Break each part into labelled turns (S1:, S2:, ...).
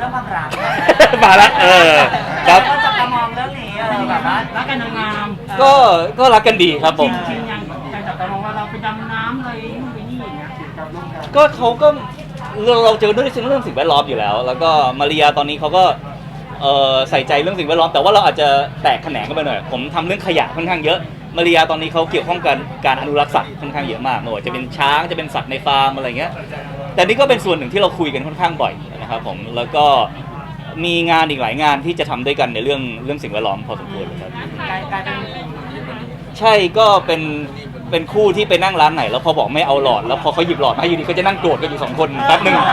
S1: รื่องความรัก
S2: มาละครับ
S1: ก็จะมองเรื่องนี้แบบว่า
S3: รักกันงาม
S2: ก็รักกันดีครับผม
S3: จริงยังใจจับตามองว่าเราไปดำน้ำอะไรนู่นไปนี่อย่างเงี้ย
S2: ก็เขาก็เราเจอด้วยเรื่องสิ่งแวดล้อมอยู่แล้วแล้วก็มาริยาตอนนี้เขาก็ใส่ใจเรื่องสิ่งแวดล้อมแต่ว่าเราอาจจะแตกแขนงกันไปหน่อยผมทำเรื่องขยะค่อนข้างเยอะมาริยาตอนนี้เขาเกี่ยวข้องกันการอนุรักษ์สัตว์ค่อนข้างเยอะมากไม่ว่าจะเป็นช้างจะเป็นสัตว์ในฟาร์มอะไรเงี้ยแต่นี่ก็เป็นส่วนหนึ่งที่เราคุยกันค่อนข้างบ่อยนะครับผมแล้วก็มีงานอีกหลายงานที่จะทำด้วยกันในเรื่องสิ่งแวดล้อมพอสมควรครับใช่ก็เป็นคู่ที่ไปนั่งร้านไหนแล้วพอบอกไม่เอาหลอดแล้วพอเขาหยิบหลอดมาอยู่ดีก็จะนั่งโกรธกันอยู่2 คนแป๊บนึง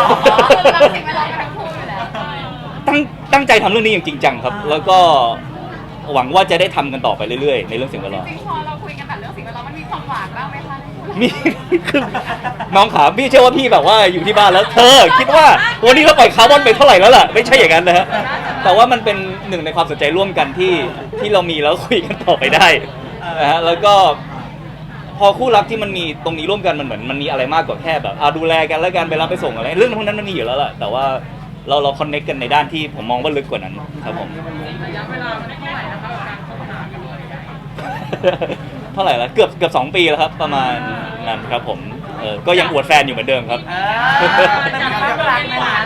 S2: ตั้งใจทำเรื่องนี้อย่างจริงจังครับแล้วก็หวังว่าจะได้ทำกันต่อไปเรื่อยๆในเรื่องสิ่งแวดล้อม
S4: จริงพอเราคุยกันแต่เรื่องสิ่งแวดล้อมมันมีความหวานบ้างไหมคะ
S2: มีคือน้องขาพี่เชื่อว่าพี่แบบว่าอยู่ที่บ้านแล้วเธอคิดว่าวันนี้เราปล่อยคาร์บอนไปเท่าไหร่แล้วล่ะไม่ใช่อย่างนั้นนะฮะแต่ว่ามันเป็นหนึ่งในความสนใจร่วมกันที่เรามีแล้วคุยกันต่อไปได้นะฮะแล้วก็พอคู่รักที่มันมีตรงนี้ร่วมกันมันเหมือนมันมีอะไรมากกว่าแค่แบบดูแลกันแล้วกันไปรับไปส่งอะไรเรื่องพวกนั้นมันมีอยู่แล้วแหละแต่ว่าเราคอนเนคกันในด้านที่ผมมองว่าลึกกว่านั้นครับผม
S4: ระยะเวลาไม่ได้เท่าไหร่นะคะการคบหากัน
S2: เท่าไหร่แล้วเกือบ2 ปีแล้วครับประมาณนั้นครับผมก็ยังอวดแฟนอยู่เหมือนเดิมครับ
S1: เป็นความรักในร้าน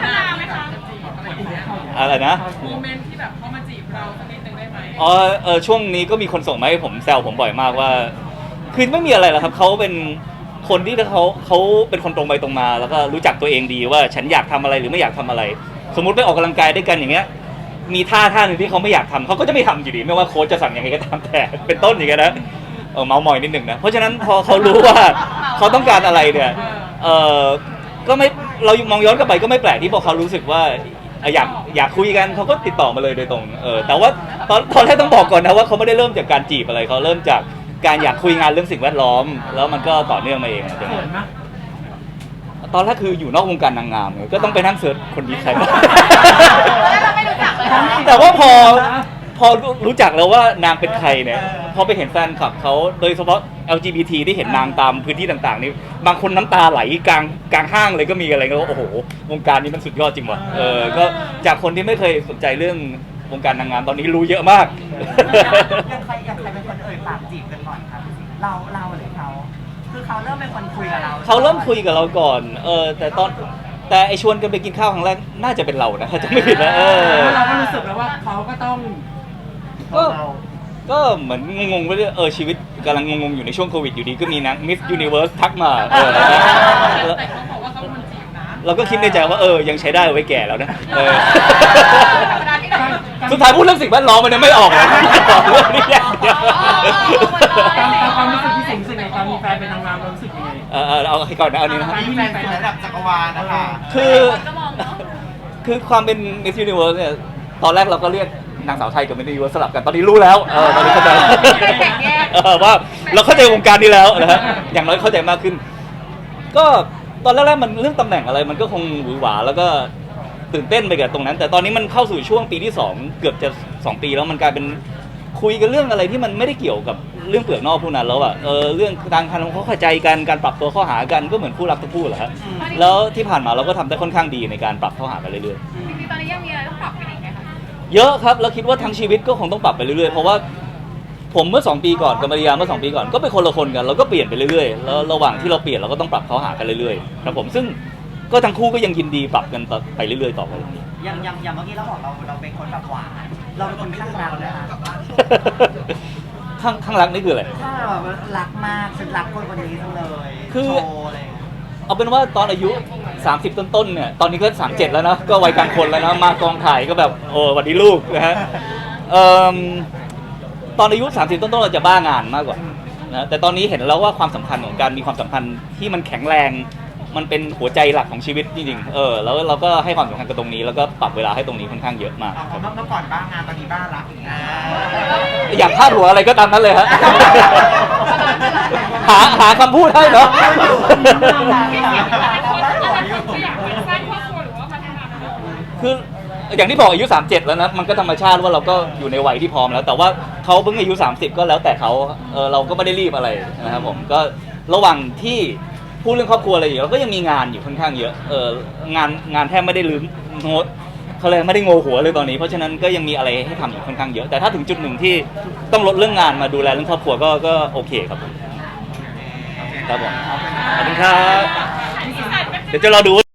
S2: อะไรนะ
S4: โมเมนต์ที่แบบเขามาจีบเราสักนิดนึงได้ไหม
S2: ช่วงนี้ก็มีคนส่งมาให้ผมแซวผมบ่อยมากว่าคือไม่มีอะไรหรอกครับเขาเป็นคนที่เขาเป็นคนตรงไปตรงมาแล้วก็รู้จักตัวเองดีว่าฉันอยากทำอะไรหรือไม่อยากทำอะไรสมมุติไปออกกำลังกายด้วยกันอย่างเงี้ยมีท่าหนึ่งที่เขาไม่อยากทำเขาก็จะไม่ทำอยู่ดีไม่ว่าโค้ชจะสั่งยังไงก็ตามแต่เป็นต้นอย่างเงี้ยนะเมามอยนิดหนึ่งนะเพราะฉะนั้นพอเขารู้ว่าเขาต้องการอะไรเนี่ยก็ไม่เรามองย้อนกลับไปก็ไม่แปลกที่พอเขารู้สึกว่าอยากคุยกันเขาก็ติดต่อมาเลยโดยตรงแต่ว่าตอนแรกต้องบอกก่อนนะว่าเขาไม่ได้เริ่มจากการจีบอะไรเขาเริ่มจากการอยากคุยงานเรื่องสิ่งแวดล้อมแล้วมันก็ต่อเนื่องมาเองตอนแรกคืออยู่นอกวงการนางงามก็ต้องไปนั่งเสิร์ชคนนี้ใครแต่ว่าพอรู้จักแล้วว่านางเป็นใครเนี่ยพอไปเห็นแฟนคลับเขาโดยเฉพาะ LGBT ที่เห็นนางตามพื้นที่ต่างๆนี่บางคนน้ำตาไหลกลางห้างเลยก็มีอะไรก็โอ้โหวงการนี้มันสุดยอดจริงว่ะก็จากคนที่ไม่เคยสนใจเรื่องวงการนางงามตอนนี้รู้เยอะมาก
S1: ยังใครเป็นคนปากจีบกันก่อนครับเราหรือเขาคือเขาเริ่มเป็นคนคุยกับเรา
S2: เขาเริ่มคุยกับเราก่อนแต่ไอชวนกันไปกินข้าวครั้งแรกน่าจะเป็นเรานะถ้าจะไม่ผิดนะ
S3: เราก็รู้สึกแล้วว่าเขาก็ต้อง
S2: ก็เหมือนงงๆไปเรื่อยชีวิตกำลังงงๆอยู่ในช่วงโควิดอยู่ดีก็มีนะมิสยูนิเวิร์สทักมา
S4: แต่เขาบอกว่าเขาคนจีบนะ
S2: เราก็คิดในใจว่ายังใช้ได้ไว้แก่แล้วนะสุดท้ายพูดเรื่องสิ่งแวดล้อมมันไม่ออกเลยเรื่องนี้
S3: ความรู้สึกที่สิ่งในตอนมีแฟนเป็นนางงามรู้สึกยังไง
S2: เอาให้ก่อนนะเอานี้นะ
S1: มีแฟนเป็นระดับจักรวาลนะคะ
S2: คือความเป็น Miss Universe เนี่ยตอนแรกเราก็เรียกนางสาวไทยกับ Miss Universe สลับกันตอนนี้รู้แล้วตอนนี้เข้าใจว่าเราเข้าใจวงการนี้แล้วนะฮะอย่างน้อยเข้าใจมากขึ้นก็ตอนแรกๆมันเรื่องตำแหน่งอะไรมันก็คงหวือหวาแล้วก็ตื่นเต้นไปกับตรงนั้นแต่ตอนนี้มันเข้าสู่ช่วงปีที่2เกือบจะ2 ปีแล้วมันกลายเป็นคุยกันเรื่องอะไรที่มันไม่ได้เกี่ยวกับเรื่องเปลือกนอกพวกนั้นแล้วเรื่องการทำความเข้าใจกันการปรับตัวเข้าหากันก็เหมือนคู่รักทั้งคู่แหละฮะแล้วที่ผ่านมาเราก็ทำได้ค่อนข้างดีในการปรับเข้าหากันเรื่อย
S4: ๆจริงๆตอนนี้ยังมีอะไรต้องปรับกันอีกไหมคะ
S2: เยอะครับแล้วคิดว่าทั้งชีวิตก็คงต้องปรับไปเรื่อยๆเพราะว่าผมเมื่อ2 ปีก่อนกับมาริยาเมื่อ2 ปีก่อนก็เป็นคนละคนกันเราก็เปลี่ยนไปเรื่อยๆแล้วระหว่างที่เราเปลี่ยนเราก็ต้องปรับเข้าหากันเรื่อยๆครับผมซึ่งก็ทั้งคู่ก็ยังยินดีปรับกันไปเรื่อยๆต่อไป
S1: อย่างเมื่อกี้เราบอกเราเป็นคนแบบหวานเราเป็นคนข้างรักนะคะ
S2: ข้างรักนี่คืออะไร
S1: ถ้าแบบรักมากฉันรักคนนี้จังเลย
S2: คือเอาเป็นว่าตอนอายุ30ต้นๆเนี่ยตอนนี้ก็37แล้วนะก็วัยกลางคนแล้วนะมากองถ่ายก็แบบสวัสดีลูกนะฮะตอนอายุ30ต้นๆเราจะบ้างานมากกว่านะแต่ตอนนี้เห็นแล้วว่าความสำคัญของการมีความสัมพันธ์ที่มันแข็งแรงมันเป็นหัวใจหลักของชีวิตจริงๆแล้วเราก็ให้ความสำคัญกับตรงนี้แล้วก็ปรับเวลาให้ตรงนี้ค่อนข้างเยอะมาก
S1: เมื่อก่อนบ้างานตอนนี้บ้ารัก
S2: อยากพาดหัวอะไรก็ตามนั้นเลยฮะหาคำพูดให้เนาะคืออย่างที่บอกอายุ37แล้วนะมันก็ธรรมชาติว่าเราก็อยู่ในวัยที่พร้อมแล้วแต่ว่าเขาเพิ่งอายุ30ก็แล้วแต่เขาเราก็ไม่ได้รีบอะไรนะครับผมก็ระหว่างที่พูดเรื่องครอบครัวอะไรอยู่เราก็ยังมีงานอยู่ค่อนข้างเยอะงานแทบไม่ได้ลืมโน้ตเขาเลยไม่ได้โงหัวเลยตอนนี้เพราะฉะนั้นก็ยังมีอะไรให้ทำอีกค่อนข้างเยอะแต่ถ้าถึงจุดหนึ่งที่ต้องลดเรื่องงานมาดูแลเรื่องครอบครัวก็โอเคครับผมครับผมขอบคุณครับเดี๋ยวจะรอดู